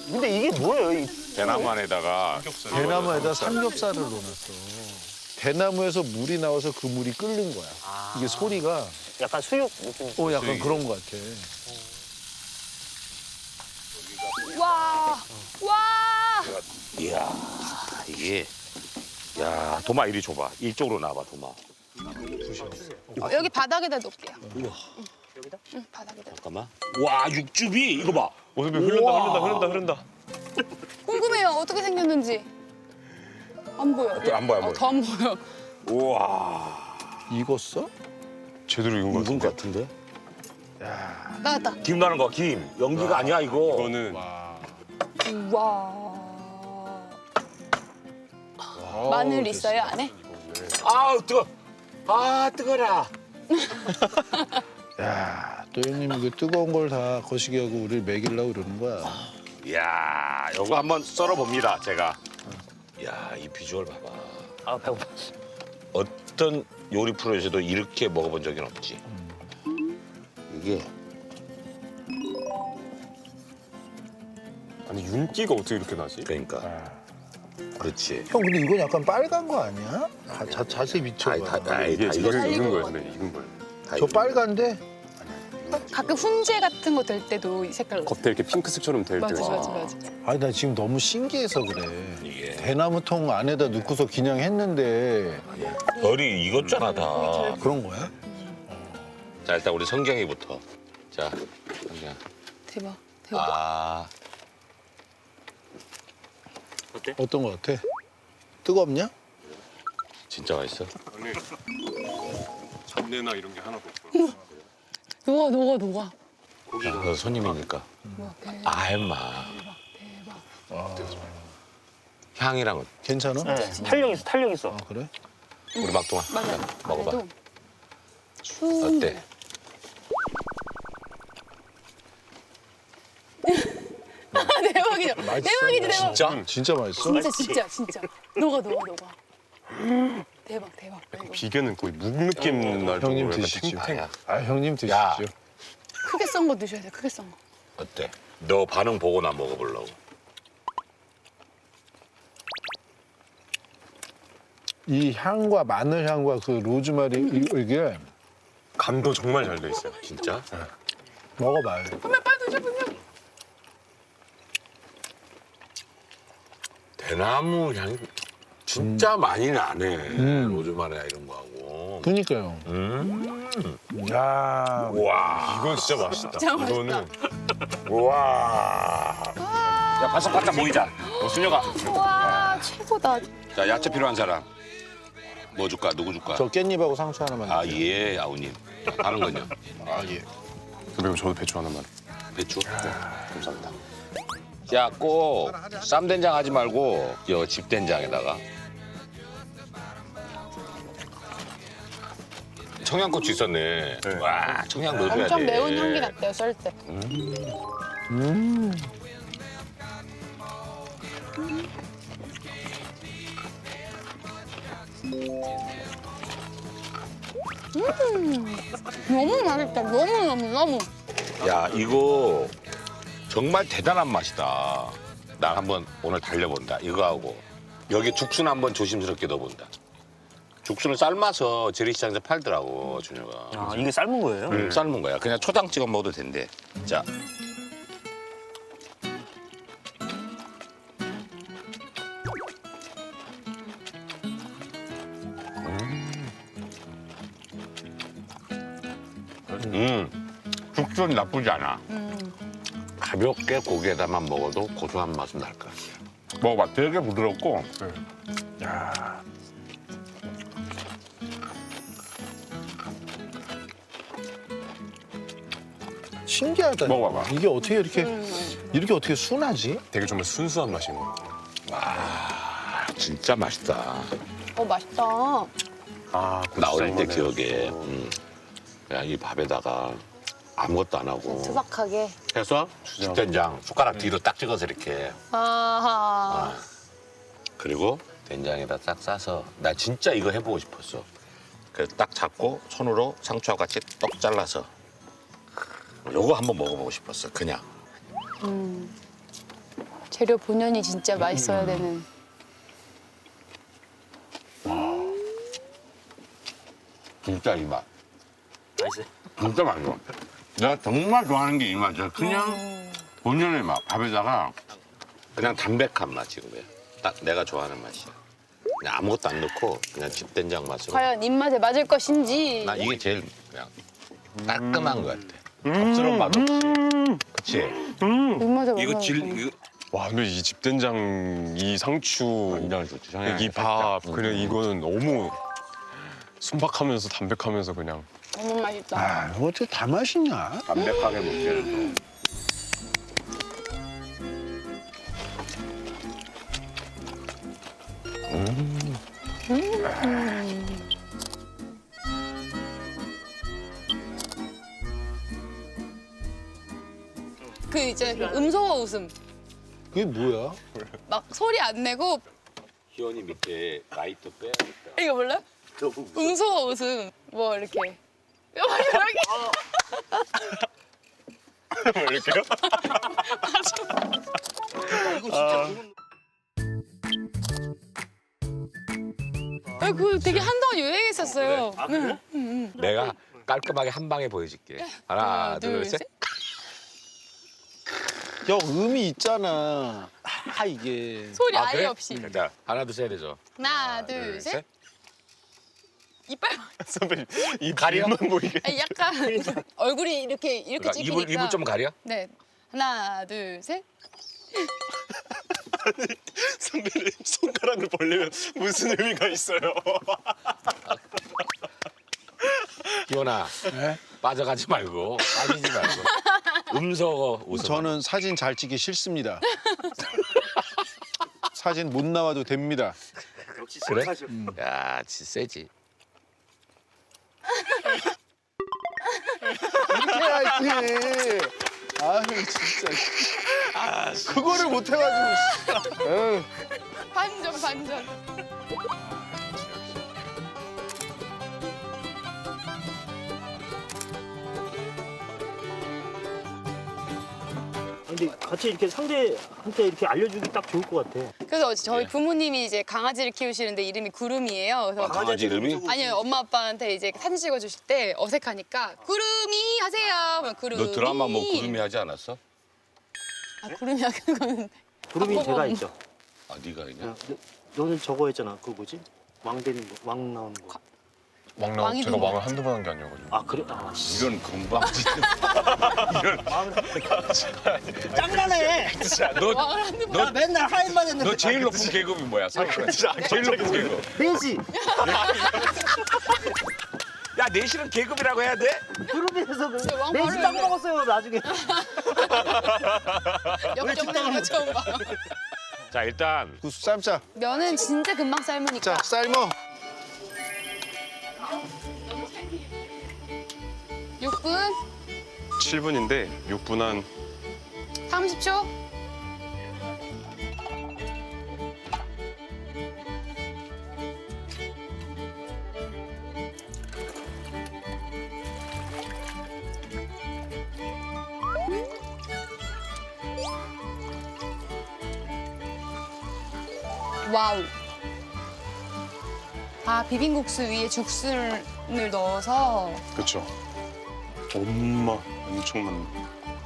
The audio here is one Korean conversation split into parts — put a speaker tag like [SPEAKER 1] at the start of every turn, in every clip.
[SPEAKER 1] 근데 이게 뭐예요?
[SPEAKER 2] 대나무 안에다가
[SPEAKER 3] 대나무에다 삼겹살을 넣어놨어. 대나무에서 물이 나와서 그 물이 끓는 거야. 이게 소리가
[SPEAKER 1] 약간 수육 느낌.
[SPEAKER 3] 약간 그런 거 같아.
[SPEAKER 4] 와, 와.
[SPEAKER 2] 이야 이게 야 도마 이리 줘봐. 이쪽으로 나와봐 도마.
[SPEAKER 4] 여기 바닥에다 놓을게요.
[SPEAKER 2] 우와
[SPEAKER 4] 응, 바닥에다.
[SPEAKER 2] 잠깐만. 와 육즙이 이거 봐.
[SPEAKER 5] 모습이 흐른다.
[SPEAKER 4] 궁금해요. 어떻게 생겼는지. 안 보여.
[SPEAKER 2] 안 보여, 안 보여.
[SPEAKER 4] 더 안 보여.
[SPEAKER 2] 우와
[SPEAKER 3] 익었어?
[SPEAKER 5] 제대로 익은 것
[SPEAKER 2] 익은
[SPEAKER 5] 같은데?
[SPEAKER 2] 것 같은데?
[SPEAKER 4] 나왔다.
[SPEAKER 2] 김 나는 거 김. 연기가 아니야 이거.
[SPEAKER 5] 이거는
[SPEAKER 4] 우와. 마늘 있어요 안에?
[SPEAKER 2] 아우 뜨거. 아 뜨거라.
[SPEAKER 3] 야, 또 형님이 그 뜨거운 걸 다 거시기 하고 우리를 먹이려고 그러는 거야.
[SPEAKER 2] 이야 이거 한번 썰어 봅니다 제가. 이야 이 비주얼 봐봐.
[SPEAKER 1] 아 배고파.
[SPEAKER 2] 어떤 요리 프로에서도 이렇게 먹어본 적은 없지. 이게
[SPEAKER 5] 아니 윤기가 어떻게 이렇게 나지?
[SPEAKER 2] 그러니까 그렇지.
[SPEAKER 3] 형 근데 이건 약간 빨간 거 아니야? 자세히 비춰봐.
[SPEAKER 5] 이게
[SPEAKER 2] 다
[SPEAKER 5] 제대로
[SPEAKER 2] 익었어.
[SPEAKER 5] 익은 거예요, 선배님. 익은 거예요.
[SPEAKER 3] 저 빨간데?
[SPEAKER 4] 가끔 훈제 같은 거 될 때도 이 색깔로.
[SPEAKER 5] 겉에 이렇게 핑크색처럼 될 때.
[SPEAKER 4] 맞아.
[SPEAKER 3] 아니 나 지금 너무 신기해서 그래.
[SPEAKER 2] 이게
[SPEAKER 3] 대나무통 안에다 넣고서 그냥 했는데
[SPEAKER 2] 별이 익었잖아 다.
[SPEAKER 3] 그런 거야?
[SPEAKER 2] 자 일단 우리 성경이부터. 자 성경.
[SPEAKER 4] 대박.
[SPEAKER 2] 아
[SPEAKER 3] 어떤 거 같아? 뜨겁냐?
[SPEAKER 2] 진짜 맛있어.
[SPEAKER 5] 안에 잡내나 이런 게 하나도 없고요.
[SPEAKER 4] 녹아.
[SPEAKER 2] 너 손님이니까.
[SPEAKER 4] 우와, 대박.
[SPEAKER 2] 아 임마. 향이랑은
[SPEAKER 3] 괜찮아?
[SPEAKER 1] 네, 탄력 있어.
[SPEAKER 3] 아 그래?
[SPEAKER 2] 우리 막동아.
[SPEAKER 4] 맞아.
[SPEAKER 2] 먹어봐.
[SPEAKER 4] 그래도 추운.
[SPEAKER 2] 어때?
[SPEAKER 4] 대박이죠. 대박이지.
[SPEAKER 2] 진짜?
[SPEAKER 3] 진짜 맛있어?
[SPEAKER 4] 진짜. 녹아. 대박. 이거.
[SPEAKER 5] 비계는 거의 묵 느낌 날 정도로
[SPEAKER 3] 형님
[SPEAKER 5] 약간
[SPEAKER 3] 드시죠.
[SPEAKER 5] 탱탱.
[SPEAKER 3] 아 형님 드시죠.
[SPEAKER 2] 야.
[SPEAKER 4] 크게 썬 거 드셔야 돼. 크게 썬 거.
[SPEAKER 2] 어때? 너 반응 보고 나 먹어보려고.
[SPEAKER 3] 이 향과 마늘 향과 그 로즈마리 이게
[SPEAKER 5] 간도 정말 잘 돼 있어요.
[SPEAKER 2] 진짜?
[SPEAKER 3] 먹어봐요.
[SPEAKER 4] 빨리 드셔.
[SPEAKER 2] 대나무 향이 진짜 많이 나네. 로즈마리나 이런 거 하고.
[SPEAKER 3] 그니까요. 야,
[SPEAKER 2] 와.
[SPEAKER 5] 이건 진짜 맛있다.
[SPEAKER 4] 진짜 맛있다.
[SPEAKER 5] 이거는
[SPEAKER 2] 와. 야 바삭바삭 모이자. 순혁아.
[SPEAKER 4] 와, 최고다.
[SPEAKER 2] 자 야채 필요한 사람. 뭐 줄까? 누구 줄까?
[SPEAKER 3] 저 깻잎하고 상추 하나만.
[SPEAKER 2] 아
[SPEAKER 3] 주세요.
[SPEAKER 2] 예, 아우님. 다른 건요?
[SPEAKER 3] 아 예.
[SPEAKER 5] 선배님 저도 배추 하나만.
[SPEAKER 2] 배추?
[SPEAKER 5] 감사합니다.
[SPEAKER 2] 야, 꼭 쌈된장 하지 말고 여 집된장에다가 청양고추 있었네.
[SPEAKER 5] 네.
[SPEAKER 2] 와, 청양 넣어줘야 돼.
[SPEAKER 4] 엄청 매운 향기 났대요, 썰 때. 너무 맛있다. 너무.
[SPEAKER 2] 야, 이거 정말 대단한 맛이다. 나 한번 오늘 달려본다. 이거 하고 여기 죽순 한번 조심스럽게 넣어본다. 죽순을 삶아서 재래시장에서 팔더라고, 준혁아.
[SPEAKER 1] 아 이게 삶은 거예요?
[SPEAKER 2] 삶은 거야. 그냥 초장 찍어 먹어도 된대. 자. 죽순 나쁘지 않아. 가볍게 고기에다만 먹어도 고소한 맛은 날 것 같아. 먹어봐. 되게 부드럽고.
[SPEAKER 3] 야. 신기하다.
[SPEAKER 2] 먹어봐봐.
[SPEAKER 3] 이게 어떻게 이렇게 어떻게 순하지?
[SPEAKER 5] 되게 정말 순수한 맛인 것 같아요.
[SPEAKER 2] 진짜 맛있다.
[SPEAKER 4] 맛있다.
[SPEAKER 5] 아,
[SPEAKER 2] 나 어릴 때
[SPEAKER 5] 고추장만에.
[SPEAKER 2] 기억에 그냥 이 밥에다가 아무것도 안 하고
[SPEAKER 4] 투박하게.
[SPEAKER 2] 해서 집된장 숟가락 뒤로 딱 찍어서 이렇게
[SPEAKER 4] 아하.
[SPEAKER 2] 그리고 된장에다 딱 싸서 나 진짜 이거 해보고 싶었어. 그래서 딱 잡고 손으로 상추와 같이 떡 잘라서 요거 한번 먹어보고 싶었어. 그냥
[SPEAKER 4] 재료 본연이 진짜 맛있어야 되는.
[SPEAKER 2] 진짜 이 맛.
[SPEAKER 1] 맛있어요.
[SPEAKER 2] 진짜 맛있어. 내가 정말 좋아하는 게 이 맛이야. 그냥 본연의 맛. 밥에다가 그냥 담백한 맛 지금이야. 딱 내가 좋아하는 맛이야. 그냥 아무것도 안 넣고 그냥 집된장 맛으로.
[SPEAKER 4] 과연 입맛에 맞을 것인지.
[SPEAKER 2] 나 이게 제일 그냥 깔끔한 것 같아. 겉스러운 맛 없이. 그치?
[SPEAKER 4] 입맛에 맞을
[SPEAKER 5] 이거 질
[SPEAKER 4] 것인지.
[SPEAKER 5] 이거 와 근데 이 집된장 이 상추
[SPEAKER 2] 완전 좋지. 형이
[SPEAKER 5] 이 밥 그냥 이거는 너무 순박하면서 담백하면서 그냥
[SPEAKER 4] 너무 맛있다.
[SPEAKER 3] 아, 이거 어떻게 다 맛있냐?
[SPEAKER 2] 담백하게 먹기에는 또.
[SPEAKER 4] 그 이제 음소거 웃음.
[SPEAKER 3] 그게 뭐야?
[SPEAKER 4] 막 소리 안 내고
[SPEAKER 2] 희원이 밑에 라이터 빼야겠다.
[SPEAKER 4] 이거 몰라? 음소거 웃음. 뭐 이렇게. 이렇게.
[SPEAKER 5] 이렇게요?
[SPEAKER 4] 그 되게 한동안 유행했었어요.
[SPEAKER 1] 아, 그래?
[SPEAKER 2] 내가 깔끔하게 한 방에 보여줄게. 하나, 둘, 셋.
[SPEAKER 3] 형 음이 있잖아. 아 이게.
[SPEAKER 4] 소리
[SPEAKER 2] 아,
[SPEAKER 4] 아예
[SPEAKER 2] 그래?
[SPEAKER 4] 없이.
[SPEAKER 2] 자, 하나, 둘, 셋 해줘.
[SPEAKER 4] 하나, 둘, 셋. 이빨.
[SPEAKER 5] 선배님 이
[SPEAKER 2] 가려?
[SPEAKER 5] 입만 보이게
[SPEAKER 4] 아니, 약간 얼굴이 이렇게
[SPEAKER 2] 그러니까
[SPEAKER 4] 찍히니까.
[SPEAKER 2] 입을 좀 가려?
[SPEAKER 4] 네. 하나, 둘, 셋.
[SPEAKER 5] 선배님 손가락을 벌리면 무슨 의미가 있어요?
[SPEAKER 2] 희원아,
[SPEAKER 3] 네?
[SPEAKER 2] 빠져가지 말고, 빠지지 말고. 음소거 웃음.
[SPEAKER 3] 저는 사진 잘 찍기 싫습니다. 사진 못 나와도 됩니다.
[SPEAKER 1] 역시
[SPEAKER 2] 그래?
[SPEAKER 1] 착하셔.
[SPEAKER 2] 야, 진짜 세지.
[SPEAKER 3] 이렇게 해야지. 아유 진짜. 그거를 못 해가지고. 에휴.
[SPEAKER 4] 반전, 반전.
[SPEAKER 1] 근데 같이 이렇게 상대한테 이렇게 알려주기 딱 좋을 것 같아.
[SPEAKER 4] 그래서 저희
[SPEAKER 2] 네.
[SPEAKER 4] 부모님이 이제 강아지를 키우시는데 이름이 구름이에요. 그래서
[SPEAKER 2] 강아지 이름이?
[SPEAKER 4] 아니요, 엄마 아빠한테 이제 사진 찍어주실 때 어색하니까 구름이 하세요. 그러면 구름이.
[SPEAKER 2] 너 드라마 뭐 구름이 하지 않았어?
[SPEAKER 4] 아, 구름이 하는 거는.
[SPEAKER 1] 구름이
[SPEAKER 4] 한꺼번에.
[SPEAKER 1] 제가 있죠.
[SPEAKER 2] 아, 네가 있냐?
[SPEAKER 1] 너는 저거 했잖아. 그거 뭐지? 왕 되는 거, 왕 나오는 거.
[SPEAKER 5] 왕 나오
[SPEAKER 4] 왕이
[SPEAKER 5] 제가
[SPEAKER 4] 되는
[SPEAKER 5] 왕을 한두 번 한 게 아니어가지고
[SPEAKER 1] 아 그래? 아 씨.
[SPEAKER 2] 이런 금방지.
[SPEAKER 1] 짱나네.
[SPEAKER 2] 너,
[SPEAKER 4] 왕을 하는 거.
[SPEAKER 1] 나 맨날 하인만 했는데.
[SPEAKER 2] 너 제일 높은 계급이 뭐야? 제일 높은 계급.
[SPEAKER 1] 벤시.
[SPEAKER 2] 야, 내실은 계급이라고 해야 돼?
[SPEAKER 1] 그룹에서
[SPEAKER 4] 왕
[SPEAKER 1] 벤시
[SPEAKER 4] 바로
[SPEAKER 1] 딱
[SPEAKER 4] 해.
[SPEAKER 1] 먹었어요 나중에.
[SPEAKER 4] 역전하는 거 처음 봐.
[SPEAKER 2] 자, 일단
[SPEAKER 3] 구수 삶자.
[SPEAKER 4] 면은 진짜 금방 삶으니까.
[SPEAKER 3] 자 삶어.
[SPEAKER 4] 6분,
[SPEAKER 5] 7분인데 6분 한
[SPEAKER 4] 30초. 와우. 아, 비빔국수 위에 죽순을 넣어서.
[SPEAKER 5] 그렇죠. 엄마 엄청 많네.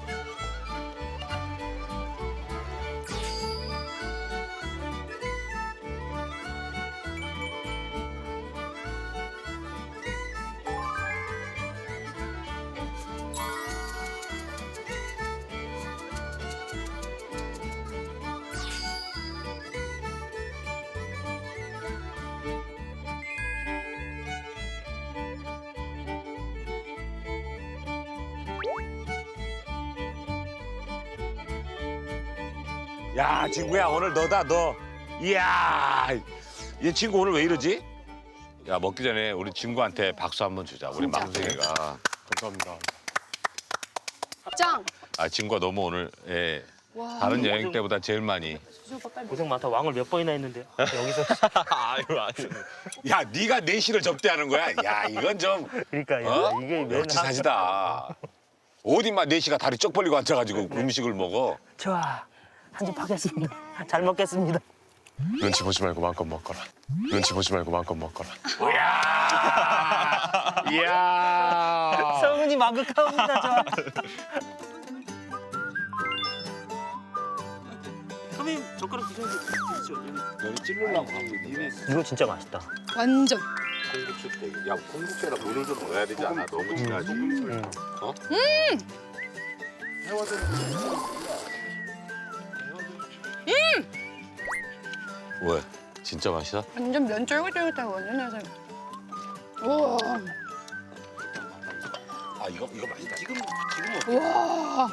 [SPEAKER 2] 야, 친구야, 오늘 너다, 너. 이야, 얘 친구 오늘 왜 이러지? 야, 먹기 전에 우리 친구한테 박수 한번 주자. 우리 막둥이가.
[SPEAKER 5] 감사합니다.
[SPEAKER 4] 짱.
[SPEAKER 2] 아, 친구가 너무 오늘 예,
[SPEAKER 4] 와.
[SPEAKER 2] 다른 여행 때보다 제일 많이.
[SPEAKER 1] 고생 많다. 왕을 몇 번이나 했는데 여기서.
[SPEAKER 5] 아유 아유.
[SPEAKER 2] 야, 네가 내실을 접대하는 거야? 야, 이건 좀
[SPEAKER 1] 그러니까
[SPEAKER 2] 어?
[SPEAKER 1] 이게 맨날
[SPEAKER 2] 역지사지다. 어디 막 내시가 다리 쩍 벌리고 앉아가지고 음식을 먹어.
[SPEAKER 1] 좋아. 한 입 하겠습니다. 잘 먹겠습니다.
[SPEAKER 5] 눈치 보지 말고 마음껏 먹거라. 눈치 보지 말고 마음껏 먹거라.
[SPEAKER 2] 이야.
[SPEAKER 1] 성은이 마극하옵니다, 저. 선배님 젓가락 드셔야죠.
[SPEAKER 2] 너는 찔르려고 하고 있네.
[SPEAKER 1] 이거 진짜 맛있다.
[SPEAKER 4] 완전.
[SPEAKER 2] 콩국수 때. 야, 콩국수에다 물을 좀 넣어야 되지 않아? 너무 진하지. 어? 왜? 진짜 맛있어?
[SPEAKER 4] 완전 면 쫄깃쫄깃하고 완전 해서. 우와.
[SPEAKER 2] 아, 이거 맛있다. 지금
[SPEAKER 4] 우와.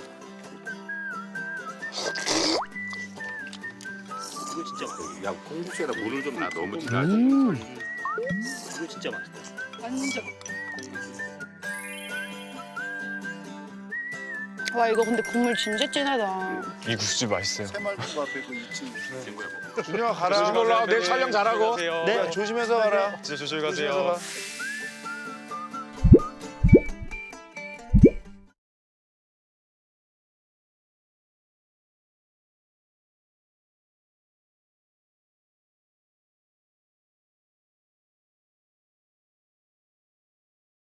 [SPEAKER 1] 이거 진짜 맛있다.
[SPEAKER 2] 야, 콩국수에다 물을 좀 놔. 너무 진하지.
[SPEAKER 1] 이거 진짜 맛있다.
[SPEAKER 4] 완전. 와 이거 근데 국물 진짜 진하다.
[SPEAKER 5] 이 국수집 맛있어요.
[SPEAKER 3] 새말국 앞에 그 2층.
[SPEAKER 2] 친구야.
[SPEAKER 3] 준영아
[SPEAKER 2] 조심히 올라와. 내일 촬영 잘하고.
[SPEAKER 3] 네. 조심해서 가라.
[SPEAKER 5] 진짜 조심히
[SPEAKER 3] 조심해서
[SPEAKER 5] 가세요.
[SPEAKER 3] 가.